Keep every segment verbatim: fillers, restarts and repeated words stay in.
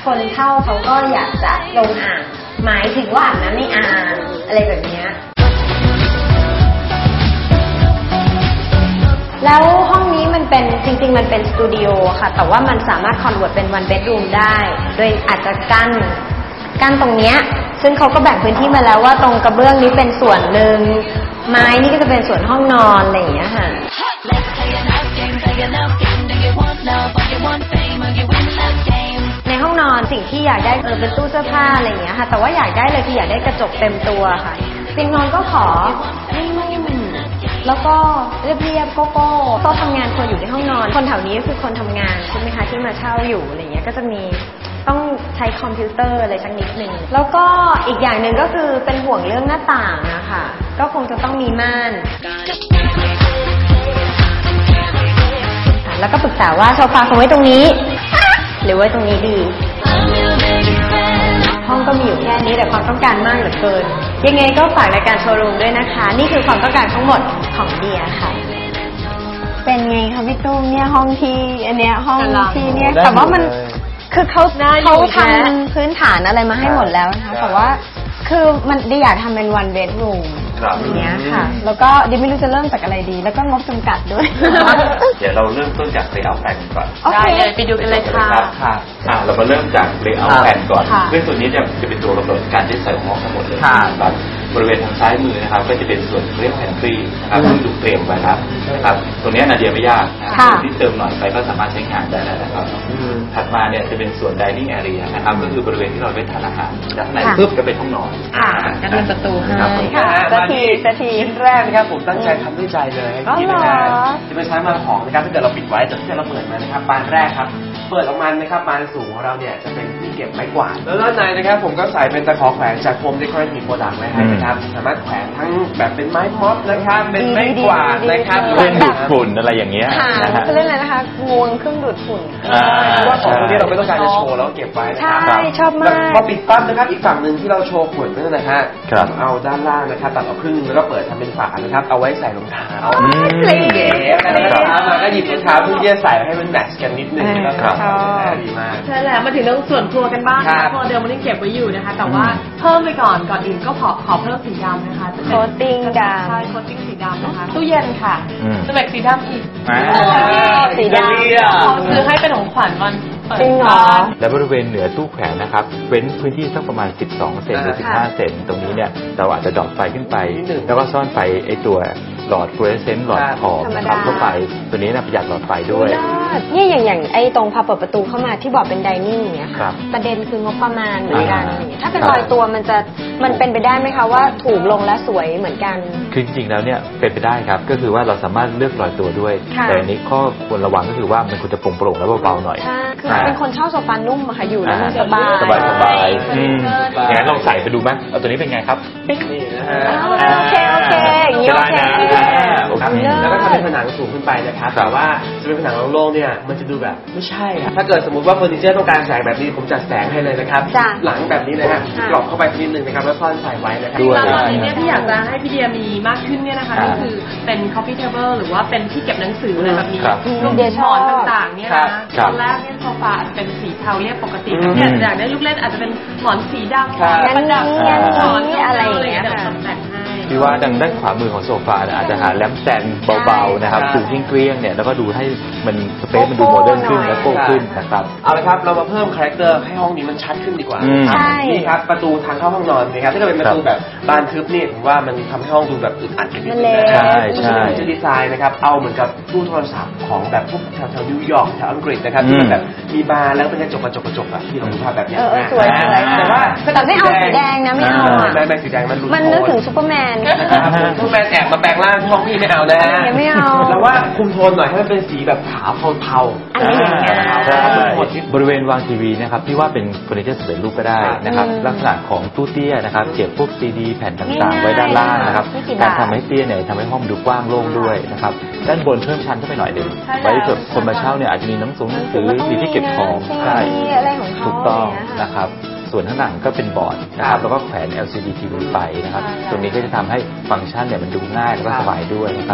คนเฒ่าเขาก็อยากจะลงอ่างหมายถึงว่าอาบน้ำในอ่างอะไรแบบนี้แล้วห้องนี้มันเป็นจริงๆมันเป็นสตูดิโอค่ะแต่ว่ามันสามารถคอนเวิร์ตเป็นวันเบดรูมได้โดยอาจจะกั้นกั้นตรงเนี้ยซึ่งเขาก็แบ่งพื้นที่มาแล้วว่าตรงกระเบื้องนี้เป็นส่วนหนึ่งไม้นี่ก็จะเป็นส่วนห้องนอนอะไรอย่างเงี้ยค่ะในห้องนอนสิ่งที่อยากได้เออเป็นตู้เสื้อผ้าอะไรอย่างเงี้ยค่ะแต่ว่าอยากได้เลยคืออยากได้กระจกเต็มตัวค่ะเตียงนอนก็ขอนุ่มๆแล้วก็เรียบๆโก้โก้โต๊ะทำงานควรอยู่ในห้องนอนคนแถวนี้ก็คือคนทำงานใช่ไหมคะที่มาเช่าอยู่อะไรเงี้ยก็จะมีต้องใช้คอมพิวเตอร์อะไรสักนิดหนึ่งแล้วก็อีกอย่างหนึ่งก็คือเป็นห่วงเรื่องหน้าต่างนะคะก็คงจะต้องมีม่านแล้วก็ปรึกษาว่าโซฟาคงไว้ตรงนี้หรือไว้ตรงนี้ดีห้องก็มีอยู่แค่นี้แต่ความต้องการมากเหลือเกินยังไงก็ฝากรายการโชว์รูมด้วยนะคะนี่คือความต้องการทั้งหมดของเดียค่ะเป็นไงคะพี่ตุ้มเนี่ยห้องที่อันเนี้ยห้องที่เนี่ยแต่ว่ามันคือเขาเขาทำพื้นฐานอะไรมาให้หมดแล้วนะคะแต่ว่าคือมันดิอยากทำเป็น one bedroom อย่างเงี้ยค่ะแล้วก็ดิไม่รู้จะเริ่มจากอะไรดีแล้วก็งบจำกัดด้วยเดี๋ยวเราเริ่มต้นจาก layout plan ก่อนได้เลยไปดูกันเลยค่ะค่ะเรามาเริ่มจาก layout plan ก่อนซึ่งส่วนนี้จะจะเป็นตัวกำหนดการใช้ของทั้งหมดเลยครับบริเวณทางซ้ายมือนะครับก็จะเป็นส่วนเรียกแพนทรีนะครับซึ่งถูกเตรียมไว้ครับนะครับตรงนี้นาเดียไม่ยากส่วนที่เติมหน่อยไปก็สามารถใช้งานได้แล้วนะครับถัดมาเนี่ยจะเป็นส่วน dining area นะครับก็คือบริเวณที่เราไปทานอาหารจากไหนปุ๊บก็เป็นห้องนอนก็เป็นประตูให้สักทีสักทีชิ้นแรกนะครับผมตั้งใจทำด้วยใจเลยที่เป็นจะเป็นชั้นวางของนะครับถ้าเกิดเราปิดไว้จะที่เราเปิดมานะครับบานแรกครับเปิดออกมานะครับบานสูงของเราเนี่ยจะเป็นที่เก็บไม้กวาดแล้วด้านในนะครับผมก็ใส่เป็นตะขอแขวนจากโฮมเดคอเรทีฟโปรดักต์ไว้ให้นะครับสามารถแขวนทั้งแบบเป็นไม้ม็อบนะครับเป็นไม้กวาดนะครับเครื่องดูดฝุ่นอะไรอย่างเงี้ยจะเล่นอะไรนะคะงวงเครื่องดูดฝุ่นว่าของพวกนี้เราไม่ต้องการจะโชว์แล้วเก็บไว้นะครับใช่ชอบมากพอปิดปั๊บนะครับอีกฝั่งหนึ่งที่เราโชว์ขวดนั่นนะฮะเอาด้านล่างนะครับตัดออกครึ่งแล้วก็เปิดทำเป็นฝานะครับเอาไว้ใส่รองเท้าเก๋ๆมาก็หยิบรองเท้าเพื่อที่จะใส่ให้มันแมทช์กันนิดนึงนะครับดีมากใช่แล้วมาถึงเรื่องส่วนครัวกันบ้างนะพอเดิมมันยังเก็บไว้อยู่นะคะแต่ว่าเพิ่มไปก่อนก่อนอื่นก็ขอขอเพิ่มสีดำนะคะโคตติ้งดำใช่โคตติ้งสีดำนะคะตู้เย็นค่ะสเปกสีดำอีกสีดำซื้อให้เป็นของขวัญวันจริงเหรอและบริเวณเหนือตู้แขวนนะครับเว้นพื้นที่สักประมาณสิบสองเซนหรือสิบห้าเซนตรงนี้เนี่ยเราอาจจะดอดไฟขึ้นไปแล้วก็ซ่อนไฟไอตัวหลอดฟลูออเรสเซนต์หลอดทองนะครับเข้าไปตัวนี้นะประหยัดหลอดไฟด้วยนี่อย่างอย่างไอตรงพอเปิดประตูเข้ามาที่บอกเป็นไดนิ่งเนี่ยค่ะประเด็นคืองบประมาณเหมือนกันถ้าเป็นรอยตัวมันจะมันเป็นไปได้ไหมคะว่าถูกลงและสวยเหมือนกันคือจริงๆแล้วเนี่ยเป็นไปได้ครับก็คือว่าเราสามารถเลือกรอยตัวด้วยแต่อันนี้ข้อควรระวังก็คือว่ามันควรจะโปร่งๆและเบาๆหน่อยคือเป็นคนชอบโซฟานุ่มอะค่ะอยู่แล้วมันสบายสบายสบายอย่างนั้นลองใส่ไปดูไหมเอาตัวนี้เป็นไงครับนี่นะฮะโอเคโอเคอย่างนี้โอเคแล้วก็ทำเป็นผนังสูงขึ้นไปนะครับแต่ว่าจะเป็นผนังโล่งๆเนี่ยมันจะดูแบบไม่ใช่ถ้าเกิดสมมติว่าเฟอร์นิเจอร์ต้องการแสงแบบนี้ผมจัดแสงให้เลยนะครับหลังแบบนี้นะฮะกรอบเข้าไปนิดนึงนะครับแล้วซ่อนใส่ไว้นะครับตอนนี้เนี่ยที่อยากจะให้พี่เดียมีมากขึ้นเนี่ยนะคะก็คือเป็น coffee table หรือว่าเป็นที่เก็บหนังสืออะไรแบบนี้รวมถึงหมอนต่างๆเนี่ยนะตอนแรกเนี่ยโซฟาเป็นสีเทาเรียบปกติเนี่ยอยากได้ลูกเล่นอาจจะเป็นหมอนสีดำประดับหมอนอะไรอย่างเงี้ยค่ะที่ว่าดังด้านขวามือของโซฟาอาจจะหาแลมป์สแตนด์เบาๆนะครับดูเกลี้ยงๆเนี่ยแล้วก็ดูให้มันสเปซมันดูโมเดิร์นขึ้นและโก้ขึ้นนะครับเอาละครับเรามาเพิ่มคาแรคเตอร์ให้ห้องนี้มันชัดขึ้นดีกว่านี่ครับประตูทางเข้าห้องนอนนะครับถ้าเกิดเป็นประตูแบบบานทึบนี่ผมว่ามันทำให้ห้องดูแบบอึดอัดกันนิดนึงนะใช่ใช่จะดีไซน์นะครับเอาเหมือนกับตู้โทรศัพท์ของแบบพวกแถวๆนิวยอร์กแถวอังกฤษนะครับที่มันแบบมีบานแล้วเป็นกระจกกระจกกระจกอะที่เราดูภาพแบบนี้สวยๆแต่ว่าแต่ไม่เอาสีแดงนะไม่เอาไม่ไม่สีแดงมันมันนึกถึงซูเปอร์แมนซูเปอร์แมนแอบมาแปลงร่างห้องพี่ไม่เอานะไม่เอาแล้วว่าคุมโทนหน่อยให้มันเป็นสีแบบขาวเทาๆอะไรอย่างเงี้ยบริเวณวางทีวีนะครับที่ว่าเป็นเฟอร์นิเจอร์สำเร็จรูปก็ได้นะครับลักษณะของตู้เตี้ยนะครับเก็บพวกซีดีแผ่นต่างๆไว้ด้านล่างนะครับการทำให้เตี้ยเนี่ยทำให้ห้องดูกว้างโล่งด้วยนะครับด้านบนเพิ่มชั้นเข้าไปหน่อยหนึ่งไว้เผื่อคนมาเช่าเนี่ยอาจจะมีหนังสือหนังสือมีที่เก็บของใช่ถูกต้องนะครับส่วนข้างหลังก็เป็นบอร์ดนะครับแล้วก็แขวน แอล ซี ดี ที วี ไปนะครับตรงนี้ก็จะทำให้ฟังก์ชันเนี่ยมันดูง่ายแล้วก็สบายด้วยนะครับ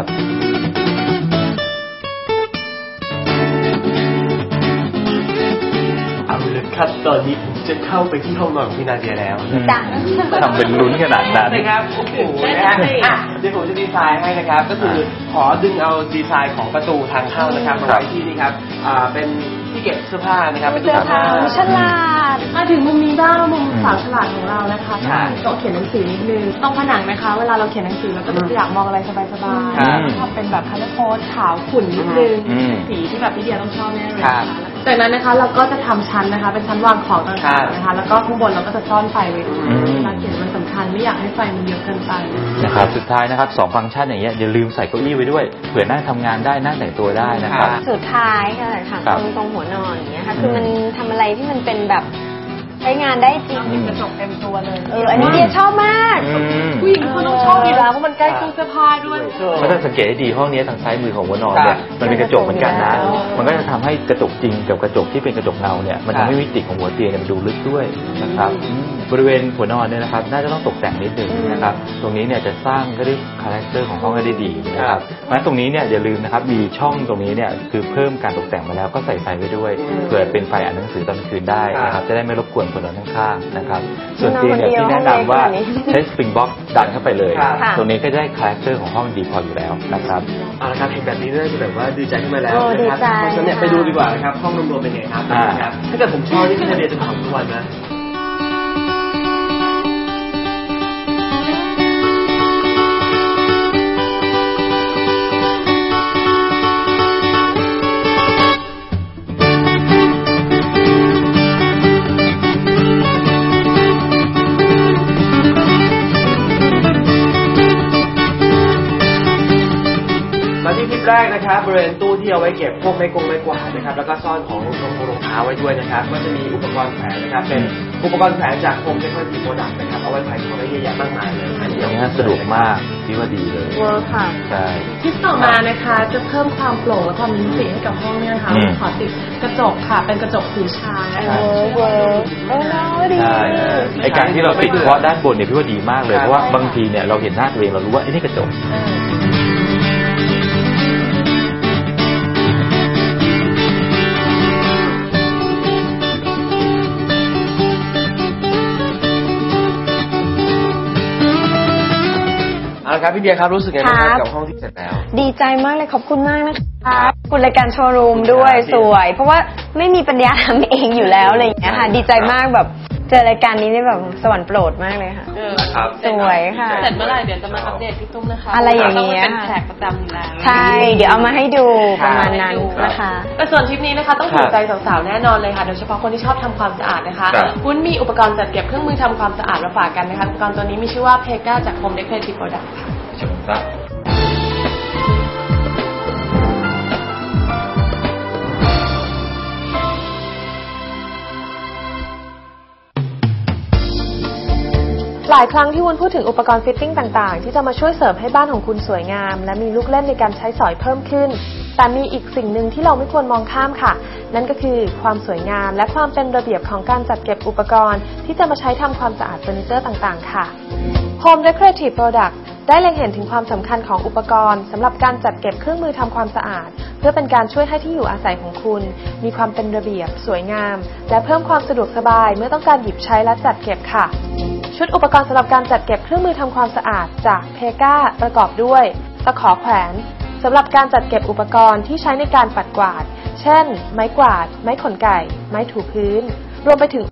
เอาเลยคครับตอนนี้ผมจะเข้าไปที่ห้องนอนของพี่นาเดียแล้วจ้ะทำเป็นลุ้นขนาดนั้นนะครับโอ้โหนะฮะอ่ะเดี๋ยวผมจะดีไซน์ให้นะครับก็คือขอดึงเอาดีไซน์ของประตูทางเข้านะครับมาไว้ที่นี่ครับอ่าเป็นที่เก็บเสื้อผ้านะครับเป็นตู้เสื้อเสื้อผ้าผ้าฉลาดมาถึงมุมนี้บ้างมุมสาวฉลาดของเรานะคะค่ะโต๊ะเขียนหนังสือนิดนึงตรงผนังนะคะ เวลาเราเขียนหนังสือเราก็จะอยากมองอะไรสบายครับๆทำเป็นแบบคัลเลอร์โค้ดขาวขุ่นนิดนึงอืมสีที่แบบพี่เดียต้องชอบแน่เลยครันะบคะจากนั้นนะคะเราก็จะทำชั้นนะคะ เป็นชั้นวางของต่างๆนะคะ แล้วก็ข้างบนเราก็จะซ่อนไฟไว้ด้วยอืมเวลาเขียนมันสำคัญไม่อยากให้ไฟมันเยอะเกินไปนะครับสุดท้ายนะครับสองฟังก์ชันอย่างเงี้ยอย่าลืมใส่เก้าอี้ไว้ด้วยเผื่อนั่งทำงานได้นั่งแต่งตัวได้นะครับสุดท้ายค่ะค่ะครัตบรงตรงหัวนอนอย่างเงี้ยค่ะ คือมันทำอะไรที่มันเป็นแบบใช้งานได้จริงอืมกระจกเต็มตัวเลยเออ อันนี้เดียชอบมากอืมผู้หญิงทุกคนต้องชอบอยู่แล้วเพราะมันใกล้ตู้เสื้อผ้าด้วยเพราะถ้าสังเกตให้ดีห้องนี้ทางซ้ายมือของหัวนอนเนี่ยครับมันเป็นกระจกเหมือนกันนะอ๋อมันก็จะทำให้กระจกจริงกับกระจกที่เป็นกระจกเงาเนี่ยมันครับทำให้มิติของหัวเตียงเนี่ยมันดูลึกด้วยนะครับอืมบริเวณหัวนอนเนี่ยนะครับน่าจะต้องตกแต่งนิดนึงนะครับตรงนี้เนี่ยจะสร้างก็ได้คาแรคเตอร์ของห้องให้ได้ดีนะครับเพราะฉะนั้นตรงนี้เนี่ยอย่าลืมนะครับมีช่องตรงนี้เนี่ยคือเพิ่มการตกแต่งมาแล้วก็ใส่ไฟไว้ด้วยเผื่อเป็นไฟอ่านหนังสือตอนคืนได้นะครับจะได้ไม่รบกวนคนนอนข้างๆนะครับส่วนเตียงเนี่ยที่แนะนำว่าใช้สปริงบ็อกซ์ดันเข้าไปเลยครับตรงนี้ก็ได้คาแรคเตอร์ของห้องดีพออยู่แล้วนะครับเอาละครับเห็นแบบนี้น่าจะแบบว่าดีใจขึ้นมาแล้วโอ้นะครับดีใจเพราะฉะนั้นเนี่ยไปดูดีกว่านะครับห้องรวมๆเป็นไงครับอ่านะครับถ้าเกิดผมชอบนี่พี่นาเดียจะถามทุกวันนะ มาที่คลิปแรกนะครับบริเวณตู้ที่เอาไว้เก็บพวกไม้กงไม้กวาดนะครับแล้วก็ซ่อนของรองรองเท้าไว้ด้วยนะครับก็จะมีอุปกรณ์แขวนนะครับเป็นอุปกรณ์แขวนจากโฮมเทคโนโลยีโปรดักต์นะครับเอาไว้แขวนของได้เยอะแยะมากมายเลยอันนี้อย่างนี้สะดวกมากพี่ว่าดีเลยเวิร์คค่ะใช่ทิปต่อมานะคะจะเพิ่มความโปร่งและความมีมิติให้กับห้องเนี่ยนะคะอืมขอติดกระจกค่ะเป็นกระจกสีชานะคะเวิร์คเวิร์คเออน้อยดีใช่ไอการที่เราติดเฉพาะด้านบนเนี่ยพี่ว่าดีมากเลยครับเพราะว่าบางทีเนี่ยเราเห็นหน้าตัวเองเรารู้ว่าไอ้นี่กระจกเอาละครับพี่เดียครับรู้สึกไงบ้างคครัรับบ กับห้องที่เสร็จแล้วดีใจมากเลยขอบคุณมากนะคะขอบคุณรายการโชว์รูมด้วยครับสวย เพราะว่าไม่มีปัญญาทำเองอยู่แล้วอะไรอย่างเงี้ยค่ะ ดีใจมากแบบเจอรายการนี้นี่แบบสวรรค์โปรดมากเลยค่ะครับสวยค่ะเสร็จเมื่อไหร่เดี๋ยวจะมาอัปเดตพี่ตุ้มนะคะอะไรอย่างเงี้ยต้องเป็นแขกประจำอยู่แล้วใช่ เดี๋ยวเอามาให้ดูประมาณนั้นนะคะแต่ส่วนทริปนี้นะคะต้องถูกใจสาวๆแน่นอนเลยค่ะโดยเฉพาะคนที่ชอบทำความสะอาดนะคะครับวุ้นมีอุปกรณ์จัดเก็บเครื่องมือทำความสะอาดมาฝากกันนะคะอุปกรณ์ตัวนี้มีชื่อว่าเพก้าจาก Home Decorative Product ค่ะเชิญครับหลายครั้งที่วุ้นพูดถึงอุปกรณ์ฟิตติ้งต่างๆ ที่จะมาช่วยเสริมให้บ้านของคุณสวยงาม และมีลูกเล่นในการใช้สอยเพิ่มขึ้น แต่มีอีกสิ่งหนึ่งที่เราไม่ควรมองข้ามค่ะ นั่นก็คือความสวยงามและความเป็นระเบียบของการจัดเก็บอุปกรณ์ที่จะมาใช้ทำความสะอาดเฟอร์นิเจอร์ต่างๆ ค่ะ Home Decorative Product ได้เล็งเห็นถึงความสำคัญของอุปกรณ์สำหรับการจัดเก็บเครื่องมือทำความสะอาด เพื่อเป็นการช่วยให้ที่อยู่อาศัยของคุณ มีความเป็นระเบียบ สวยงาม และเพิ่มความสะดวกสบายเมื่อต้องการหยิบใช้และจัดเก็บค่ะ ชุดอุปกรณ์สำหรับการจัดเก็บเครื่องมือทำความสะอาดจากเพก้าประกอบด้วยตะขอแขวนสำหรับการจัดเก็บอุปกรณ์ที่ใช้ในการปัดกวาด เช่น ไม้กวาด ไม้ขนไก่ ไม้ถูพื้น รวมไปถึง